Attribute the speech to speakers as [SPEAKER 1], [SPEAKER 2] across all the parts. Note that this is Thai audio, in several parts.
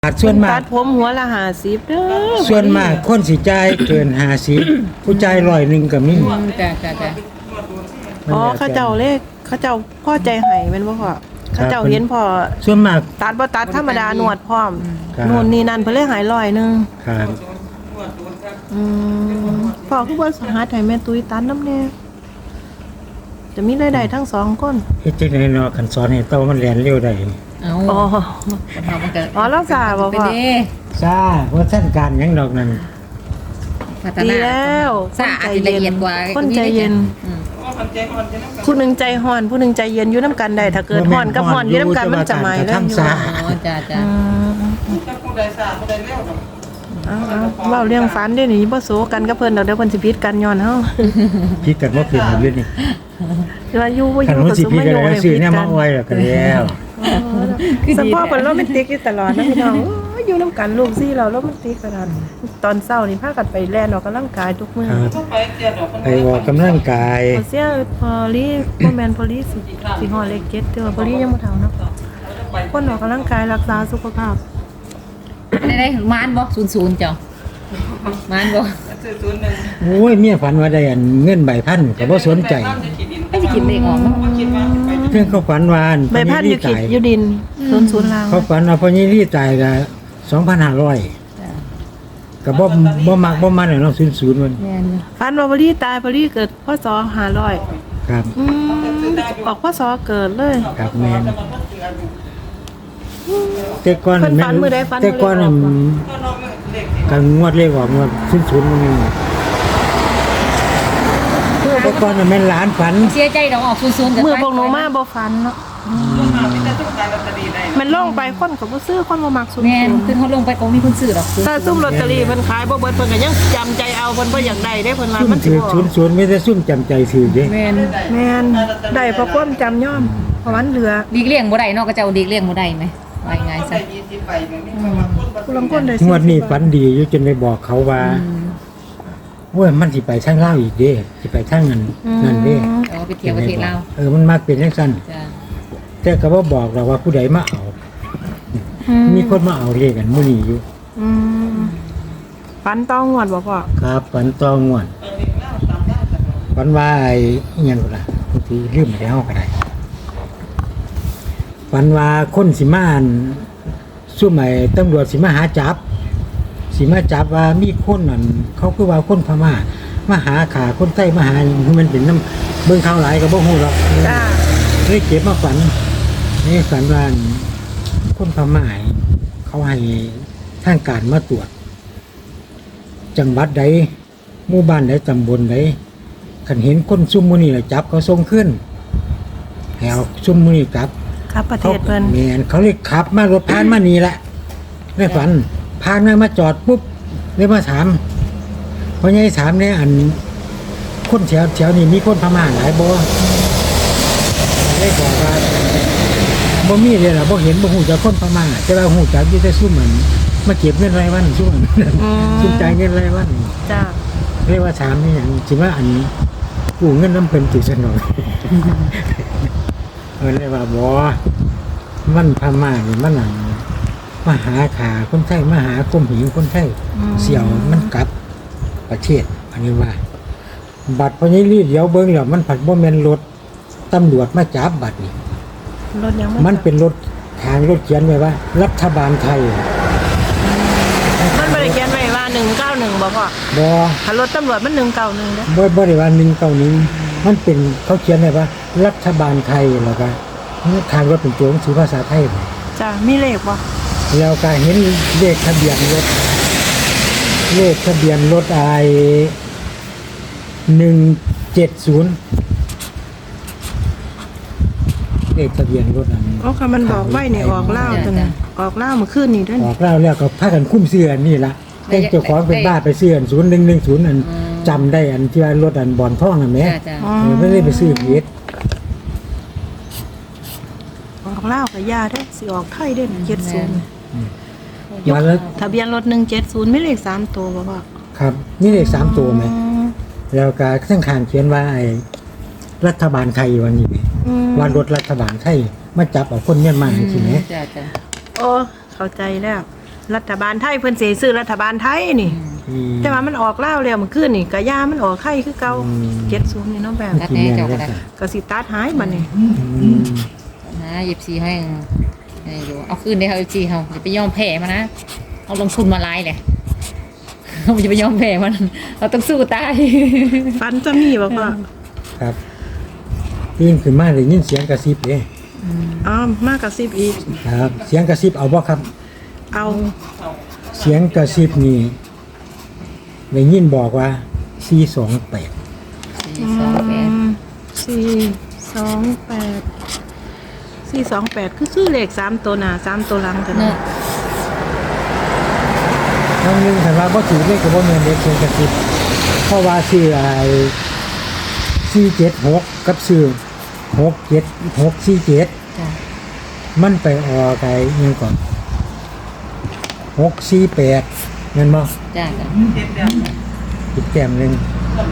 [SPEAKER 1] ส่วนมาก
[SPEAKER 2] ตัดผมหัวละ50เด้อ
[SPEAKER 1] ส่วนมากคนสิจ่ายเกิน50ผู้จ่าย100ก็มี
[SPEAKER 3] จ้ะ
[SPEAKER 2] อ๋อเขาเจ้าเลขเขาเจ้าพ่อใจให้แม่นบ่พ่อเขาเจ้าเห็นพ่อ
[SPEAKER 1] ส่วนมาก
[SPEAKER 2] ตัดบ่ตัดธรรมดาหนวดพร้อม
[SPEAKER 1] ครับ
[SPEAKER 2] นู่นนี่นั่นเพิ่นเลยหาย100นึง
[SPEAKER 1] ครับ
[SPEAKER 2] พ่อคือบ่หาให้แม่ตุ้ยตัดนำแน่จะมีรายได้ทั้งสองคน
[SPEAKER 1] เฮ็ดจังได๋เนาะคันสอนให้เต้ามันเรียนเร็วได้
[SPEAKER 3] เอา
[SPEAKER 2] อ๋อ
[SPEAKER 3] คนเฮามันก็
[SPEAKER 2] อ๋อรักษาบ่
[SPEAKER 3] ไป
[SPEAKER 2] พ่อ
[SPEAKER 3] เด้
[SPEAKER 1] ซ่าว่าท่านการหยังดอกนั้น
[SPEAKER 3] พัฒ
[SPEAKER 2] ดี
[SPEAKER 3] นา
[SPEAKER 2] แล้ว
[SPEAKER 3] สะอาดละเอียดกว่า
[SPEAKER 2] คนใจเย็น
[SPEAKER 3] อืม
[SPEAKER 2] ผู้หนึงใจฮ้อนผู้หนึงใจเย็นอยู่นํกันได้ถ้าเกิดฮ้อนกับฮ้อนอยู่นํกันมันจะไหม้แล้วอยู่
[SPEAKER 3] อ๋อจ้ะ
[SPEAKER 2] เอาเว้าเรื่องฝันเด้นี่บ่โซกันกับเพิ่นดอกเดี๋ยวเพิ่นสิผิดกันย้อนเฮา
[SPEAKER 1] คิดกันบ่เป็นอยู่นี่
[SPEAKER 2] ว่าอยู่บ่อ
[SPEAKER 1] คัน
[SPEAKER 2] ยู่
[SPEAKER 1] มัน
[SPEAKER 2] ก็
[SPEAKER 1] สิ
[SPEAKER 2] สม
[SPEAKER 1] ผิด
[SPEAKER 2] มา
[SPEAKER 1] กัน
[SPEAKER 2] อยู่
[SPEAKER 1] แล้ว
[SPEAKER 2] ให้
[SPEAKER 1] ซื้อ
[SPEAKER 2] ผิด
[SPEAKER 1] เนี่ย
[SPEAKER 2] กั
[SPEAKER 1] มาน ไว้แล้วก็แล้ว
[SPEAKER 2] สมพ่อเพิ่นโรแมนติกอยู่ตลอดนะพี่น้องโอ้ยอยู่นํกันลูกซี่เราโรแมนติกขนาดตอนเช้านี่พากันไปแล่นออกกำลังกายทุกมื้อ
[SPEAKER 1] ครับไปออกกำลังกาย
[SPEAKER 2] บ่เสียพอลีบ่แม่นพอลีสิฮอดเลข7แต่ว่าพอลียังบ่เฒ่าเนาะคนออกกำลังกายรักษาสุขภาพ
[SPEAKER 3] ได้มานบ่00เจ้า มานบ่
[SPEAKER 1] โอ้ยเมียฝันว่าได้อันเงินใบพันก็บ่สนใจ
[SPEAKER 3] ไม่สิกินเลขออกเนาะ
[SPEAKER 1] เรื่องเขาฝันว่าอั
[SPEAKER 2] ใบพัดอยู่ขีดอยู่ดิน00ลาง
[SPEAKER 1] เขาฝันว่าพ่อยี่รี่ตายก็2,500
[SPEAKER 3] จ้ะ
[SPEAKER 1] ก็บ่มักบ่มันเนาะ00มัน
[SPEAKER 3] แม่นอยู่
[SPEAKER 2] ฝันว่าพอลีตายพอลีเกิดพศ500
[SPEAKER 1] ครับ
[SPEAKER 2] ออกพศเกิดเลย
[SPEAKER 1] ครับแม่นแต่ก่อน
[SPEAKER 2] เพิ่นฝันมื้อใดฝันมื้อใด
[SPEAKER 1] แต่ก่อนน่ะกันงวดเลขออกงวด00มันนี่แต่ก่อนน่ะแม่นหลานฝัน
[SPEAKER 3] เสียใจดอกออก00กับ
[SPEAKER 2] มือพวกหนูมาบ่ฝันเนาะมันลงไปคนก็บ่ซื้อคนบ่มักสุด
[SPEAKER 3] แม่นคือเขาลงไปก็มีคนซื้อดอก
[SPEAKER 2] ถ้าซุ่มลอตเตอรี่เพิ่นขายบ่เบิดเพิ่นก็ยังจำใจเอาเพิ่นบ่อยากได้เด้เพิ่นว่า
[SPEAKER 1] ซุ่ม
[SPEAKER 2] มันสิ
[SPEAKER 1] ถือ
[SPEAKER 2] บ่
[SPEAKER 1] 00ไม่ได้ซุ่มจำใจถือเด้
[SPEAKER 3] แม่น
[SPEAKER 2] แม่นได้เพราะความจำย่อมเพราะมันเหลือ
[SPEAKER 3] ดีเลี้ยงบ่ได้เนาะก็เจ้าดีเลี้ยงบ่ได้ไหมว่าง่ายซะ
[SPEAKER 2] ผู้ลางคนได้
[SPEAKER 1] งวดนี้ฝันดีอยู่จนไปบอกเขาว่าโอ้ยมันสิไปทางลาวอีกเด้สิไปทางนั้นนั่นเด้
[SPEAKER 3] เอาไปเที่ยวประเทศลาว
[SPEAKER 1] มันมักเป็นจังซั่น
[SPEAKER 3] จ้ะ
[SPEAKER 1] แต่ก็บ่บอกเราว่าผู้ใดมาเอา มีคนมาเอาเรียกกันมื้อนี้อยู่
[SPEAKER 2] อืมฝันต้องงวดบ่พ่อ
[SPEAKER 1] ครับฝันตองวดฝันว่าไอ้อิหยังก็ล่ะบางทีลืมไปเฮาก็ได้ฝันว่าคนสิมาอั่นซุ่มไอ้ตำรวจสิมาหาจับสิมาจับว่ามีคนนั่นเขาคือว่าคนพม่ามาหาขาคนไทยมาหาหยังคือมันเป็นน้ำเบิ่งข่าวหลายก็บ่ฮู้หรอก
[SPEAKER 2] จ้า
[SPEAKER 1] เลยเก็บมาฝันนี่ฝันว่าคนพม่าเขาให้ทางการมาตรวจ จังหวัดใดหมู่บ้านใดตำบลใดคันเห็นคนซุ่มมื้อนี้ล่ะจับเขาส่งขึ้นให้เอาซุ่มมื้อนี้กลับ
[SPEAKER 2] ครับประเทศเพิ่น
[SPEAKER 1] แม่นเขาเลยขับมารถผ่านมานี่แหละในฝันผ่านมาจอดปุ๊บเลยมาถามพ่อใหญ่ถามเนี่ยอันคนแถวนี้มีคนพม่าหลายบ่ได้บอกว่าบ่มีเลยล่ะบ่เห็นบ่ฮู้จักคนพม่าแต่ว่าฮู้จักอยู่แต่ซุ่มมันมาเก็บเงินรายวันซุ่มมันซุ่มจ่ายเงินรายวัน
[SPEAKER 2] จ้า
[SPEAKER 1] เรียกว่าถามนี่หยังสิว่าอันกู้เงินน้ำเพิ่นติซะหน่อยเรียกว่าบ่มันพม่านี่มันหนังมาหาขาคนไทยมาหาก้มหิวคนไทยเสี่ยวมันกลับประเทศอันนี้ว่า บัตรพญรีเดี๋ยวเบิ่งแล้วมันผัดบ่แม่นรถตำรวจมาจับบัตรนี่
[SPEAKER 2] รถยัง
[SPEAKER 1] มันเป็นรถทางรถเขียนไว้ว่า รัฐบาลไทย
[SPEAKER 2] มันบ่ได้เขียนไว้ว่า191บ่พ่อ
[SPEAKER 1] บ่
[SPEAKER 2] ถ้ารถตำรวจมัน191เด้อ
[SPEAKER 1] บ่ได้ว่า191มันเป็นเขาเขียนไว้ว่า รัฐบาลไทยแล้วก็ทางรถเป็นตัวหนังสือภาษาไทย
[SPEAKER 2] จ้ามีเลขบ่
[SPEAKER 1] แล้วก็เห็นเลขทะเบียนรถไอ170เลขทะเบียนรถอัน
[SPEAKER 2] อ๋อค่ะมันบอกไว้นี่ออกลาวจังออกลาวเมื่อคืนนี่เด้อ
[SPEAKER 1] ออกแล้วก็พากันคุ้มเสื้อนี่ล่ะแต่เจ้าของเป็นบ้าไปซื้ออัน0110อันจำได้อันที่ว่ารถอันบอนทองน่ะแหม
[SPEAKER 3] จ้ะจ้ะ
[SPEAKER 1] ไม่ได้ไปซื้อเฮ็ด
[SPEAKER 2] ออกลาวก็ย่าเด้อสิออกไทยเด้อ70
[SPEAKER 1] มาแล้ว
[SPEAKER 2] ทะเบียนรถ170มีเลข3ตัวบ่พ่อ
[SPEAKER 1] ครับมีเลข3ตัวไหมแล้วก็ข้างข้างเขียนว่าไอ้รัฐบาลไทยวันนี้ว่ารถรัฐบาลไทยมาจับเอาคนเมียนมาจริงไหม
[SPEAKER 3] จ้ะจ้ะ
[SPEAKER 2] โอ้เข้าใจแล้วรัฐบาลไทยเพิ่นสิซื้อรัฐบาลไทยนี่
[SPEAKER 1] อืม
[SPEAKER 2] แต่ว่ามันออกลาวแล้วเมื่อคืนนี่ก็ย่ามันออกไข่คือเก่า
[SPEAKER 1] อืม
[SPEAKER 2] 70นี่เนาะแบบ
[SPEAKER 3] ตัดแน่เจ้าก็ได้
[SPEAKER 2] ก็สิตัดหายบัดนี้
[SPEAKER 1] อืม
[SPEAKER 3] นะ24ให้อยู่เอาคืนได้เฮา24เฮาอย่าไปยอมแพ้มันนะเอาลงทุนมาหลายแหละเราอย่าไปยอมแพ้มันเราต้องสู้ตาย
[SPEAKER 2] ฟันจะมีบ่พ่อ
[SPEAKER 1] ครับตื่นขึ้นมาได้ยินเสียงกระซิบเด้
[SPEAKER 2] อ๋อมากกว่า10อีก
[SPEAKER 1] ครับ เสียงกระซิบเอาบ่ครับ
[SPEAKER 2] เอา
[SPEAKER 1] เสียงกระซิบนี่ได้ยินบอกว่า428
[SPEAKER 2] 428คือเลข3ตัวหน้า3ตัวหลังกัน
[SPEAKER 3] เนาะ
[SPEAKER 1] ครั้งหนึงคันว่าบ่ถือเลขก็บ่แม่นเด็กเสียงกระซิบเพราะว่าชื่อไอ้476กับชื่อ67647
[SPEAKER 3] จ้ะ
[SPEAKER 1] มันไปออกไอ้อิหยังก่อน648แม่นบ่
[SPEAKER 3] จ้ะจ้ะ
[SPEAKER 1] อีกแต้มหนึง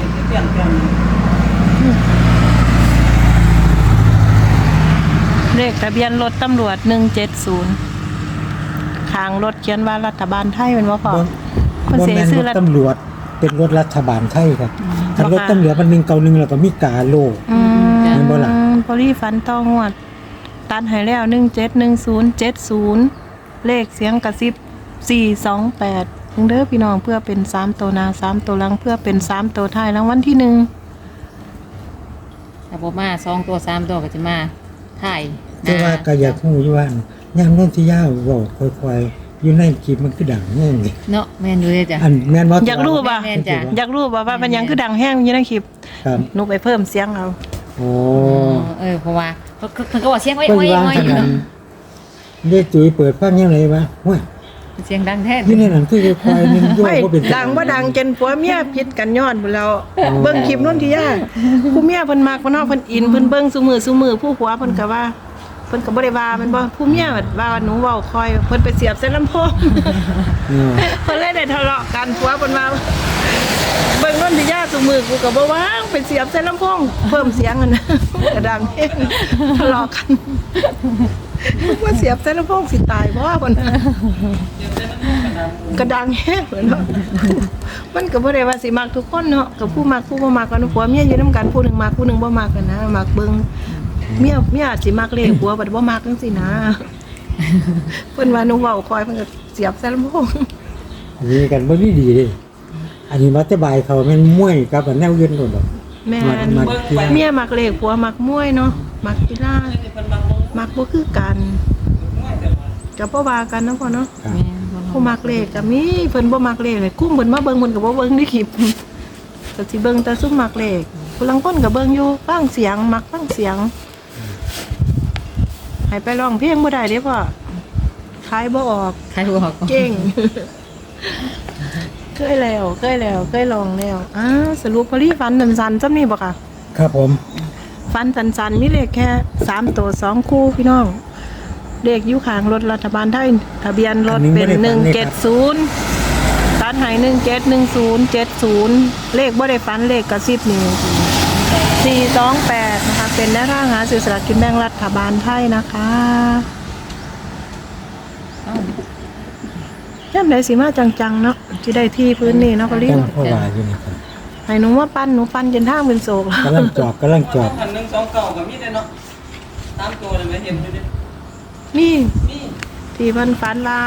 [SPEAKER 2] เลขทะเบียนรถตำรวจ170ข้างรถเขียนว่ารัฐบาลไทยเป็นบ่พ่อ มัน
[SPEAKER 1] บ่
[SPEAKER 2] เสีย
[SPEAKER 1] แม่น
[SPEAKER 2] ชื่
[SPEAKER 1] ร
[SPEAKER 2] อ
[SPEAKER 1] ถ
[SPEAKER 2] รัฐ
[SPEAKER 1] ตำรวจเป็นรถรัฐบาลไทยครับถ้า
[SPEAKER 2] บ่
[SPEAKER 1] รถ
[SPEAKER 2] ค่ะ
[SPEAKER 1] ตำรวจมัน191แล้วก็มีกาโล แม่นบ่ล่ะ
[SPEAKER 2] พอลี่ฟันต้องวด ตัดให้แล้ว171070เลขเสียงกระซิบ428ถึงเด้อพี่น้องเพื่อเป็น3ตัวหน้า3ตัวหลังเพื่อเป็น3ตัวท้ายรางวัลที่1
[SPEAKER 3] ถ้าบ่มา2ตัว3ตัวก็จะมาถ่าย
[SPEAKER 1] แต่ว่าก็อยากฮู้อยู่ว่ายามนนทิยาเว้าค่อยๆอยู่ในคลิปมันคือดังแฮงนี่
[SPEAKER 3] เนาะแม่นอยู่เลยจ้ะ
[SPEAKER 1] อันแม่นบ่
[SPEAKER 2] อยากรู้ป่ะ
[SPEAKER 3] แม่นจ้ะ
[SPEAKER 2] อยากรู้ป่ะว่ามันยังคือดังแห้งอยู่ในคลิป
[SPEAKER 1] ครับ
[SPEAKER 2] หนูไปเพิ่มเสียงเอา
[SPEAKER 1] โอ้
[SPEAKER 3] เพราะว่าเพิ่นก็บอกเสียงไว้
[SPEAKER 1] เพิ่น
[SPEAKER 3] ไว้
[SPEAKER 1] วาง
[SPEAKER 3] ไว้
[SPEAKER 1] ขนาดเด็กตุ้ยเปิดฟังยังไงวะโอ้ย
[SPEAKER 3] เสียงดังแท้
[SPEAKER 1] อยู่ในนั้นคือค่อยๆนึงโยก
[SPEAKER 2] ไม่
[SPEAKER 1] บ่เป็น
[SPEAKER 2] ดังบ่ดังจนผัวเมียผิดกันย้อนพุ่นแล้วเบิ่งคลิปนู้นที่ย่าผู้เมียเพิ่นมักเพิ่นเนาะเพิ่นอินเพิ่นเบิ่งซุมือผู้ผัวเพิ่นก็ว่าเพิ่นก็บ่ได้ว่าแมันบ่ผู้เมียว่าหนูเว้าคอยเพิ่นไปเสียบใส่ลำโพง
[SPEAKER 1] เออ
[SPEAKER 2] เพิ่นเลยได้ทะเลาะกันผัวเพิ่นว่าเบิ่งนู้นที่ย่าซุมือกูก็บ่ว่างไปเสียบใส่ลำโพงเพิ่มเสียงกันนะก็ดังเองทะเลาะกันว่าเสียบใส่ลำโพงสิตายบ่เพิ่นก็ดังแฮงเหมือนเนาะมันก็บ่ได้ว่าสิมักทุกคนเนาะก็ผู้มักผู้บ่มักกันผัวเมียอยู่นำกันผู้หนึงมักผู้หนึงบ่มักกันนะมักเบิ่งเมียอาจสิมักเลขผัวบัดบ่มักจังซี่นะเพิ่นว่าหนูเว้าคอยเพิ่นก็เสียบใส่ลำโพง
[SPEAKER 1] มีกันบ่ดีเด้อันนี้มาแต่บายเขาแม่นมวยกับอันแนวอื่นโดดดอก
[SPEAKER 2] แม่น
[SPEAKER 1] มักกีฬา
[SPEAKER 2] เมียมักเลขผัวมักมวยเนาะมักกีฬามักบ่คือกันก็บ่ว่ากันเนาะพ่อเนาะ
[SPEAKER 1] ครับ
[SPEAKER 2] ผู้มักเลขก็มีเพิ่นบ่มักเลขเลยคุ้มเพิ่นมาเบิ่งเพิ่นก็บ่เบิ่งในคลิปก็สิเบิ่งแต่ซุมมักเลขผู้ลางคนก็เบิ่งอยู่ฟังเสียงมักฟังเสียงให้ไปร้องเพลงบ่ได้เด้พ่อขายบ่ออก
[SPEAKER 3] ใครบอก
[SPEAKER 2] เก่ง เคยแล้วเคยลองแล้วสรุปพอลี่ฟันสันๆจำนี่บ่ค่ะ
[SPEAKER 1] ครับผม
[SPEAKER 2] ฟันสันๆมีเลขแค่3ตัว2คู่พี่น้องเลขอยู่ข้างรถรัฐบาลไทยทะเบียนรถเป็น170ตัดให้171070เลขบ่ได้ฟันเลขกระซิบนี่428นะคะเป็นแนวทางหาซื้อสลากกินแบ่งรัฐบาลไทยนะคะย่ำไดสิมาจังๆเนาะสิได้ที่พื้นนี่เนาะพอลี่
[SPEAKER 1] ตั้งพ่อว่าอยู่นี่ครับ
[SPEAKER 2] ให้หนูว่าปั้นหนูปั้นจนทางเป็นโศก
[SPEAKER 1] กำลังจอบ
[SPEAKER 4] หันหนึ่งสองเก่ากับมีดเลยเนาะตามตัวเลยไหมเห็นอยู่ดิ
[SPEAKER 2] นี่
[SPEAKER 4] นี่
[SPEAKER 2] ที่เพิ่นฟันลา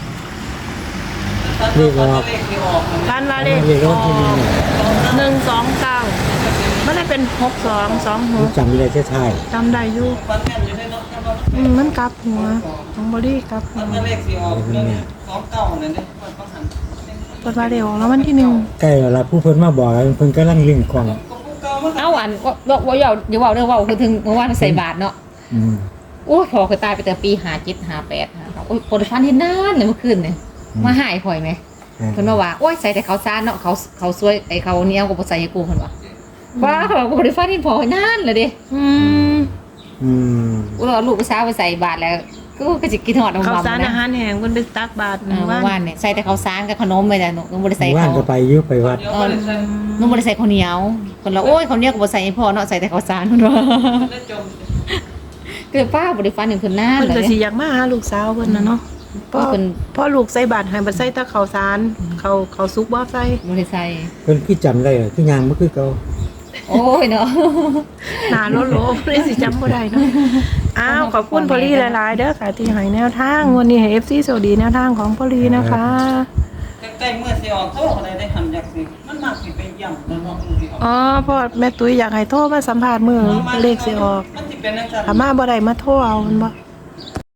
[SPEAKER 4] ตามตัวเลขที่ออก
[SPEAKER 2] ฟันลาเลข
[SPEAKER 1] เรียกรถที่นี่เนี่ย
[SPEAKER 2] 129มันได้เป็น6226
[SPEAKER 1] จำไม่ได้ใช่
[SPEAKER 2] จำได้อยู่
[SPEAKER 4] ฟันแม่นอยู่ได้เนาะ
[SPEAKER 2] มันกลับหัวของบอดี้กลับหั
[SPEAKER 4] ฟั
[SPEAKER 3] Ừ.
[SPEAKER 4] นเลขที่ออกเรื่องสองเก่านั่นเนี่ยมันต้องหัน
[SPEAKER 2] เปิดว่าเร็วแล้ววันที่
[SPEAKER 1] ใกล้แล้วล่ะผู้เพิ่นมาบอกแล้วเพิ่นกำลังลิงกล้อง
[SPEAKER 4] ก็ผู้เก่ามัน
[SPEAKER 3] เอาอันว่าอย่าเว้าเรื่องเว้าคือถึงเมื่อวานใส่บาทเนาะ
[SPEAKER 1] อืม
[SPEAKER 3] โอ้ยพอเคยตายไปแต่ปี57 58โอ้ยคนฟันเห็นนานเลยเมื่อคืนเนี่ยมาหายข่อยไหมเพิ่นมาว่าโอ้ยใส่แต่เขาซ่านเนาะเขาสวยไอ้เขาเหนียวก็บ่ใส่ให้กูเพิ่นว่าว่าเขาบอกบ่ได้ฟันเห็นพอนานเลยเด้
[SPEAKER 2] อืม
[SPEAKER 1] อืม
[SPEAKER 3] กูเอาลูกไปซ้าไปใส่บาทแล้วก็จะกินหอด
[SPEAKER 2] ข้าว
[SPEAKER 3] มา
[SPEAKER 2] สาร
[SPEAKER 3] นะ
[SPEAKER 2] อาหารแห้งเพิ่นไปตักบาตร
[SPEAKER 3] เมื่อวานเนี่ยใส่แต่ข้าวสารกับขนมไปแต่หนูบ่ได้ใส่
[SPEAKER 1] ว่าน
[SPEAKER 3] เขา
[SPEAKER 1] ก็ไปอยู่ไปวัด
[SPEAKER 4] เดี๋ยวก็เลยใส่
[SPEAKER 3] หนูบ่ได้ใส่ข้าวเหนียวคนละโอ้ยข้าวเหนียวก็บ่ใส่ให้พ่อเนาะใส่แต่ข้าวสารเพิ่นว่า
[SPEAKER 4] ได้จม
[SPEAKER 3] คือป้าบ่ได้ฟันถึงเพิ่นนาน
[SPEAKER 2] เพิ่น
[SPEAKER 3] เล
[SPEAKER 2] ก็
[SPEAKER 3] ย
[SPEAKER 2] สิอยากมาหาลูกสาวเพิ่นน่ะเนาะพ่อ
[SPEAKER 3] เพิ่น
[SPEAKER 2] พ่อลูกใส่บาตรให้บ่ใส่แตะข้าวสารเขาสุกบ่ใส่
[SPEAKER 3] บ่ได้ใส่
[SPEAKER 1] เพิ่นคือจำได้คือยางบ่คือเก่า
[SPEAKER 3] โอ้ยเนาะ
[SPEAKER 2] หนาโลภเลยสิจำบ่ได้เนาะอ้าวขอบคุณพอลี่หลายๆเด้อค่ะที่ให้แนวทางวันนี้ให้ FC สวัสดีแนวทางของพอลี่นะคะ
[SPEAKER 4] ใกล้ๆเมื่อสิออกโตอะไรได้หันอยากสิมันมากสิไปย่ำแล้วเนาะมันสิออก
[SPEAKER 2] อ๋อพ่อแม่ตุ้ยอยากให้โทรมาสัมภาษณ์มื้อเลขสิออก
[SPEAKER 4] มันสิเป็นจังซั่น
[SPEAKER 2] ถ้ามาบ่ได้มาโทรเอามันบ่
[SPEAKER 4] แ